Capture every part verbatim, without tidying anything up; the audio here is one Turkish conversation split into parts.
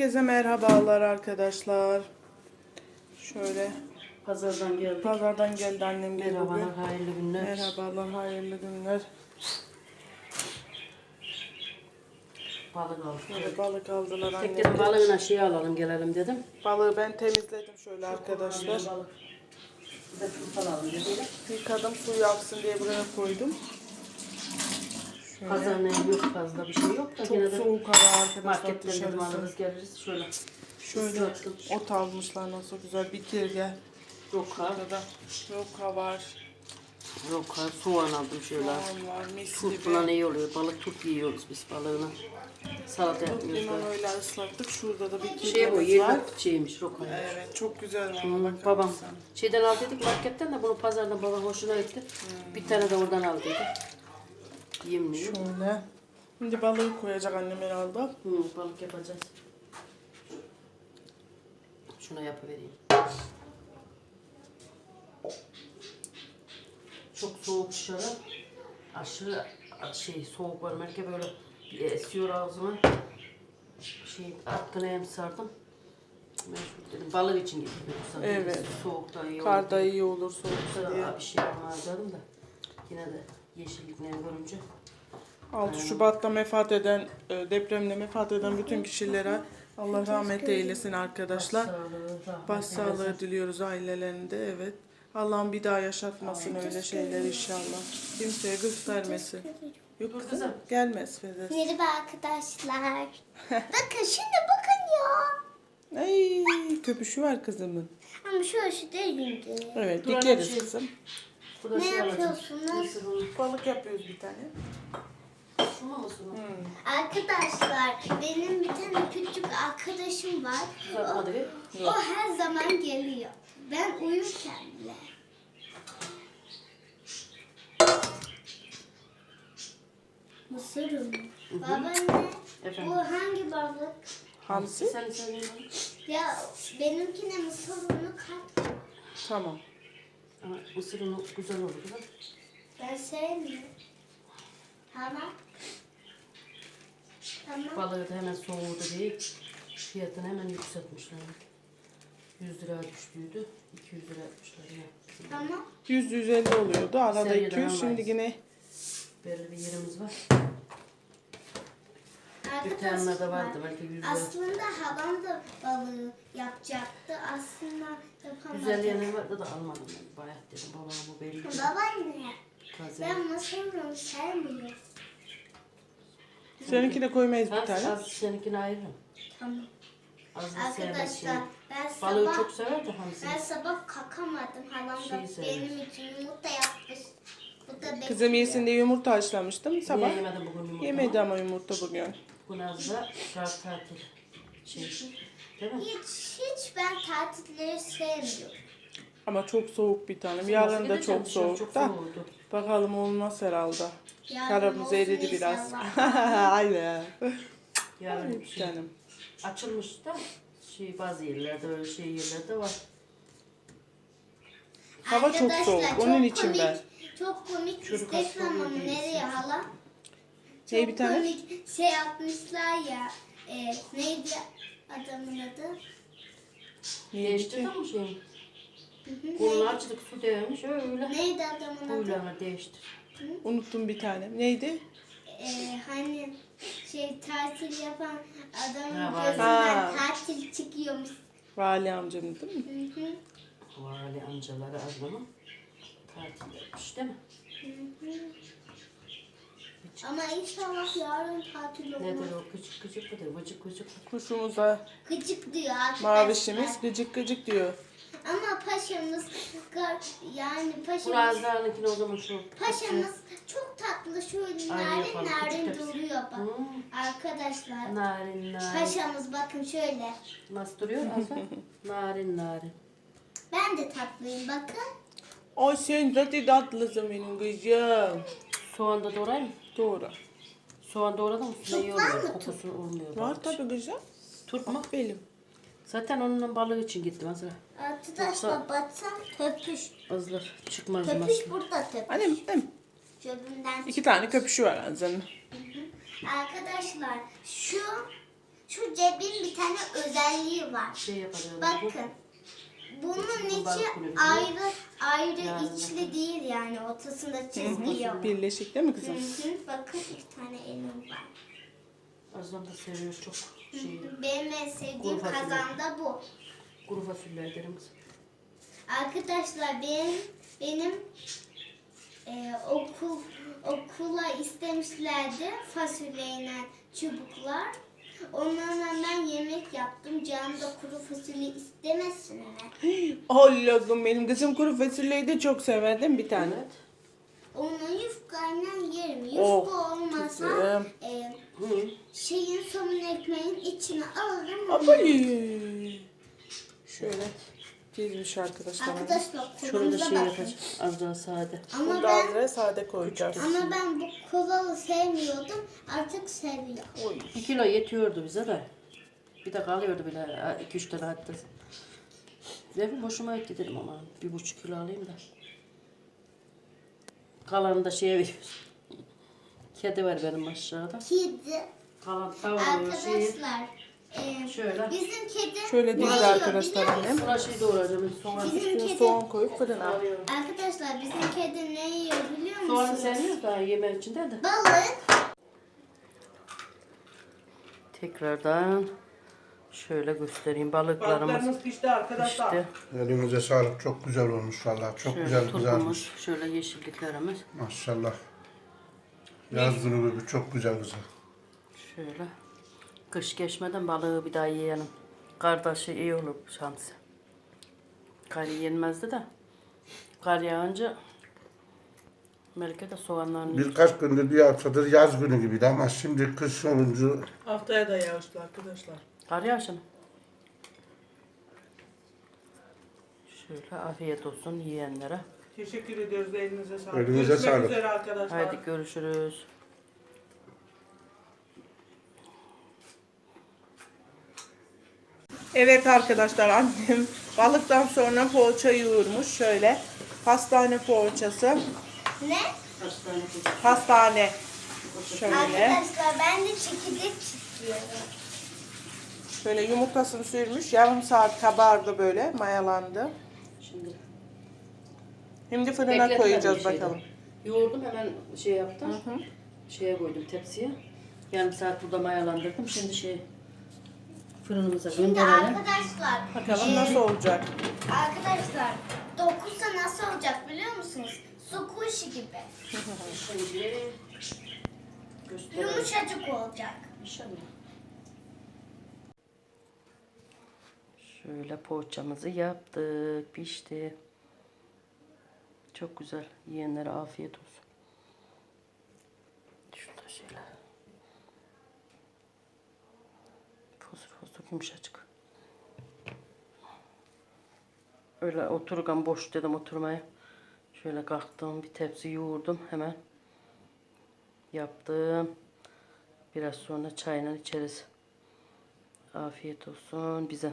Herkese merhabalar arkadaşlar. Şöyle Pazardan geldik. pazardan geldi annem geldi. Merhabalar, bugün. hayırlı günler. Merhabalar, hayırlı günler. Balık aldık. Şöyle balık aldılar annem. Tekrar balığına şey alalım gelelim dedim. Balığı ben temizledim şöyle arkadaşlar. Balık. Bir de turp alalım dedim. Yıkadım, suyu aksın diye buraya koydum. Şöyle. Pazarın evi yok, fazla bir şey yok da Çok yine de soğuk hava arkadaşlar marketten dedim dışarısı. alırız geliriz. Şöyle. Şöyle ıslattım. ot almışlar nasıl güzel bir kirge. Roka. Burada roka var. Roka. Soğan aldım şöyle. Soğan var, mis Turp gibi. falan iyi oluyor. Balık turp yiyoruz biz balığına. Salata yapmıyoruz. Limon öyle ıslattık. Şurada da bir Şey bu kirgemiz var. yerlik şeymiş roka. Evet, çok güzel ama Hmm, bakar babam mısın? şeyden aldıydık marketten de bunu pazardan baba hoşuna gitti. Hmm. Bir tane de oradan aldıydı. Yemliyor. Şöyle. Şimdi balığı koyacak annem herhalde. Hı, balık yapacağız. Şuna yapıvereyim. Çok soğuk dışarı. Aşırı şey soğuk var. Melike böyle bir esiyor ağzıma. Şey atkına hem sardım. Mecbur dedim. Balık için gittim. Evet. Soğukta iyi olur. Karda iyi olur soğukta diye. Sonra bir şey olmaz dedim de. Yine de yeşilliklerini görünce. altı Şubat'ta vefat eden, e, depremde vefat eden bütün kişilere Allah rahmet eylesin arkadaşlar. Başsağlığı diliyoruz ailelerinde, evet. Allah'ım bir daha yaşatmasın öyle şeyler inşallah. Kimseye göstermesin. Yok kızım, gelmez Fedez. Merhaba arkadaşlar. Bakın şimdi bakın ya. Ay, köpüşü var kızımın. Ama şu aşı değil şimdi. Evet, Dur, dikeriz şey- kızım. Burada Ne şey alacağım. yapıyorsunuz? Mısır unu. Balık yapıyoruz bir tane. Şuna mısır unu? Arkadaşlar benim bir tane küçük arkadaşım var. Güzel O, hadi. o her zaman geliyor. Ben uyurken bile. Mısır unu. Babaanne Efendim? bu hangi balık? Hamsi. Sen sen ye. Ya benimkine mısır unu kat. Tamam. Ama mısır unu güzel olur değil mi? Ben sevmiyorum. Tamam. Tamam. Balığı da hemen soğudu değil. Fiyatını hemen yükseltmişler. yüz lira düştüydü. iki yüz lira yapmışlar ya. Tamam. yüz yüz elli oluyordu. Arada Seriden iki yüz. Şimdi almayız. yine Belli bir yerimiz var. Arkadaşlar, Dükkanlarda vardı belki yüz lira. aslında halam da balığı yapacaktı. Aslında yapamadı. Güzel yerler vardı da almadım ben. Bayat dedim babama bu belli. Babaanne, Taze. ben mısır unu sevmiyorum. seninki de koymayız bir Az, tane. az seninkini ayırırım. Tamam. Az da sevmez şey. Arkadaşlar ben Balığı sabah çok sever de hamsi. ben sabah kakamadım. Halam da Şeyi sever. benim için yumurta yapmış. Bu da bekliyor. Kızım yesin diye yumurta haşlamıştım sabah. Niye yemedin bugün yumurta? Yemedi ama yumurta bugün. Bu Nazlı şart tatil. Şey. Değil mi? Hiç, hiç ben tatilleri sevmiyorum. Ama çok soğuk bir tanem. Nasıl Yarın da gideceğim? çok Dışarı soğuk çok da. soğuğdu. Bakalım olmaz herhalde. Yarın Karabuz olsun eridi biraz. inşallah. Aynen. Yarın şey, Canım. açılmış da şey bazı yerlerde öyle şey yerlerde var. Hava çok Arkadaşlar, soğuk. Onun çok için komik, ben. Çok komik Çocuk Instagram hasta ama oluyor nereye diyorsun. hala? Şey Çok bir tane. komik şey yapmışlar ya. E, neydi adamın adı? Niye Değiştirdin gitti? mi şeyi? Hı hı, Kolunu neydi? açtık su değmiş öyle. Neydi adamın adı? Huylarını değiştir. Unuttum bir tane. Neydi? E, hani şey tatil yapan adamın Ha, var. gözünden Ha. tatil çıkıyormuş. Vali amcamın değil mi? Hı hı, Vali amcaları azmanın tatil yapmış değil mi? hı hı. Ama inşallah yarın tatil Nedir olmaz. o gıcık gıcık mıdır? Vıcık vıcık mıdır? Kuşumuza Gıcık diyor arkadaşlar. mavişimiz gıcık gıcık diyor. Ama paşamız gar- yani Bu paşamız Nazlı'nınkine o zaman şu. paşamız çok tatlı şöyle Ay, narin yapalım, narin küçük tepsi. duruyor bak. Hmm. Arkadaşlar Narin narin. paşamız bakın şöyle. Nasıl duruyor Nazlı? Narin narin. Ben de tatlıyım bakın. Ay sen zaten tatlısın benim kızım. Soğan da doğrayayım mı? Doğru. Soğan doğradım mı? Çok İyi var oluyor. mı Kokusu olmuyor. Var balık için. tabii kızım. Turp mu? Benim. Zaten onunla balığı için gittim mesela. Arkadaşlar baksam töpüş. Azlar çıkmaz Töpüş maslı. burada töpüş. Annem, annem. Cebimden İki tane köpüşü var ağzının. Arkadaşlar şu şu cebin bir tane özelliği var. Şey yapacağız. Bakın. Bunun içi balık kulübü. ayrı ayrı Yani. içli değil yani ortasında Hı çizgi yok. hı. Birleşik değil mi kızım? Hı hı. Bakın iki tane elim var. Azam da seviyor çok şey. Benim en sevdiğim Kuru fasulye. kazan da bu. Kuru fasulye ederim. Arkadaşlar benim benim e, okul okula istemişlerdi fasulyeyle çubuklar. Onlarla ben yemek yaptım. Canım da kuru fasulye istemesin mi? Allah'ım benim kızım kuru fasulyeyi de çok sever değil mi bir tane? Evet. Onu yufkayla yerim. Yufka Oh, olmasa kızım. e, Hı. şeyin somun ekmeğin içine alırım. Abay. Şöyle çizmiş arkadaşlar. Arkadaşlar Şurada kolumuza şey bakın. yapacağız. Az daha sade. Ama Burada ben azra sade koyacağız. ama ben bu kolalı sevmiyordum. Artık seviyorum. Oy. Bir kilo yetiyordu bize de. Bir de kalıyordu bile. iki üç tane hatta. Dedim boşuma etti dedim ama bir buçuk kilo alayım da. Kalanı da şeye veriyoruz. Kedi var benim aşağıda. Kedi. Kalan tavuğu şeyi. Arkadaşlar e, Şöyle. bizim kedi Şöyle ne değil yiyor arkadaşlar biliyor annem. Buna şey doğrayacağım. Soğan. Bizim Üstüne kedi soğan koyup fırına. Alıyorum. arkadaşlar bizim kedi ne yiyor biliyor Soğanı musunuz? sevmiyoruz daha yemeğin içinde de. Balık. Tekrardan şöyle göstereyim balıklarımız Balıklarımız pişti arkadaşlar. işte. Elinize sağlık. Çok güzel olmuş vallahi. Çok Şöyle güzel kızarmış. turpumuz, şöyle yeşilliklerimiz. Maşallah. Yaz günü gibi çok güzel kızar. Şöyle. Kış geçmeden balığı bir daha yiyelim. Kardeşi iyi olur şansı. Kar yenmezdi de. Kar yağınca Melike de soğanlarını Birkaç gündür bir haftadır yaz günü gibiydi ama şimdi kış olunca Haftaya da yağışlı arkadaşlar. Kar yağışını. Şöyle afiyet olsun yiyenlere. Teşekkür ediyoruz elinize sağlık. Elinize Görüşmek sağlık. üzere arkadaşlar. Haydi görüşürüz. Evet arkadaşlar annem balıktan sonra poğaça yoğurmuş şöyle. Pastane poğaçası. Ne? Hastane kızı. Pastane. Şöyle. Arkadaşlar ben de çekirdek çiziyorum. Şöyle yumurtasını sürmüş. Yarım saat kabardı böyle. Mayalandı. Şimdi Şimdi fırına bekletmedim koyacağız bir şeyden. bakalım. Yoğurdum hemen şey yaptım. Şeye koydum tepsiye. Yarım saat burada mayalandırdım. Şimdi şey fırınımıza Şimdi gönderelim. arkadaşlar. Bakalım e, nasıl olacak. Arkadaşlar dokunsa nasıl olacak biliyor musunuz? Su kuşu gibi. Şimdi gösterelim. Yumuşacık olacak. İnşallah. Şöyle poğaçamızı yaptık. Pişti. Çok güzel. Yiyenlere afiyet olsun. Şurada şöyle. Fosur fosur yumuşacık. Öyle otururken boş dedim oturmaya. Şöyle kalktım. Bir tepsi yoğurdum. Hemen yaptım. Biraz sonra çayla içeriz. Afiyet olsun bize.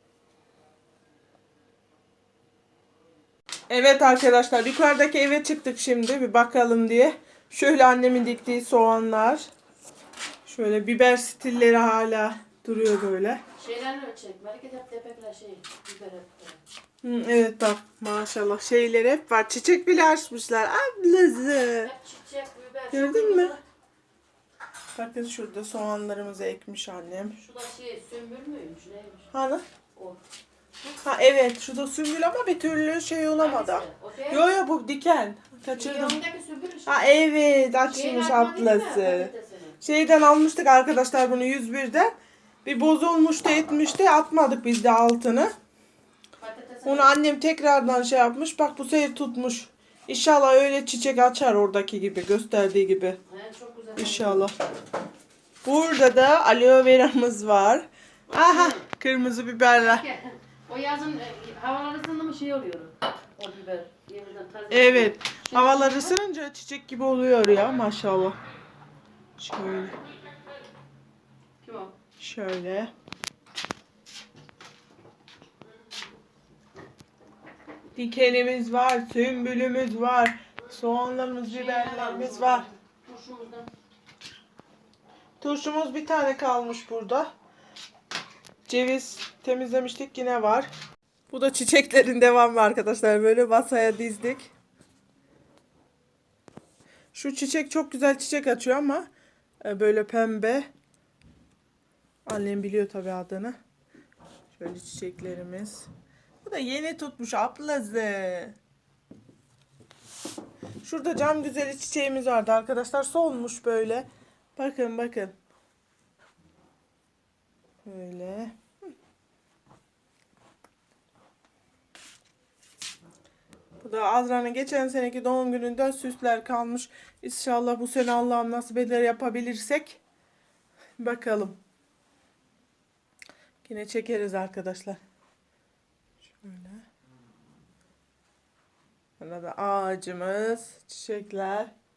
Evet arkadaşlar yukarıdaki eve çıktık şimdi bir bakalım diye. Şöyle annemin diktiği soğanlar. Şöyle biber stilleri hala duruyor böyle. Şeyler çek. Hareket hep tepekler şey. Biber hep. Hı, evet bak maşallah şeyler hep var. Çiçek bile açmışlar. Ablası. Hep çiçek, biber. Gördün mü? Bakın şurada soğanlarımızı ekmiş annem. Şu da şey sümbül müymüş neymiş? Hani? O. Ha evet şurada sümbül ama bir türlü şey olamadı. Hangisi? O değil. Yo yo bu diken. Şey, Kaçırdım. yanındaki sümbül işte. Ha evet Şeyin açmış atma değil mi? ablası. Patatesini. Şeyden almıştık arkadaşlar bunu yüz birden. Bir bozulmuştu etmişti atmadık biz de altını. Patatesini. Onu annem tekrardan şey yapmış. Bak bu sefer tutmuş. İnşallah öyle çiçek açar oradaki gibi gösterdiği gibi. He, çok güzel. İnşallah. Burada da aloe veramız var. Aha kırmızı biberler. O yazın e, havalar ısındı mı şey oluyor. O biber. Yeniden taze. Evet. Havalar ısınınca çiçek gibi oluyor ya maşallah. Şöyle. Kim o? Şöyle. Dikenimiz var, sümbülümüz var, soğanlarımız, biberlerimiz var. Turşumuzdan. Turşumuz bir tane kalmış burada. Ceviz temizlemiştik, yine var. Bu da çiçeklerin devamı arkadaşlar. Böyle masaya dizdik. Şu çiçek çok güzel çiçek açıyor ama e, böyle pembe. Annem biliyor tabii adını. Şöyle çiçeklerimiz. Bu da yeni tutmuş ablası. Şurada cam güzeli çiçeğimiz vardı arkadaşlar. Solmuş böyle. Bakın bakın. Böyle. Bu da Azra'nın geçen seneki doğum gününden süsler kalmış. İnşallah bu sene Allah'ım nasip eder yapabilirsek. Bakalım. Yine çekeriz arkadaşlar. Şöyle. Burada da ağacımız, çiçekler.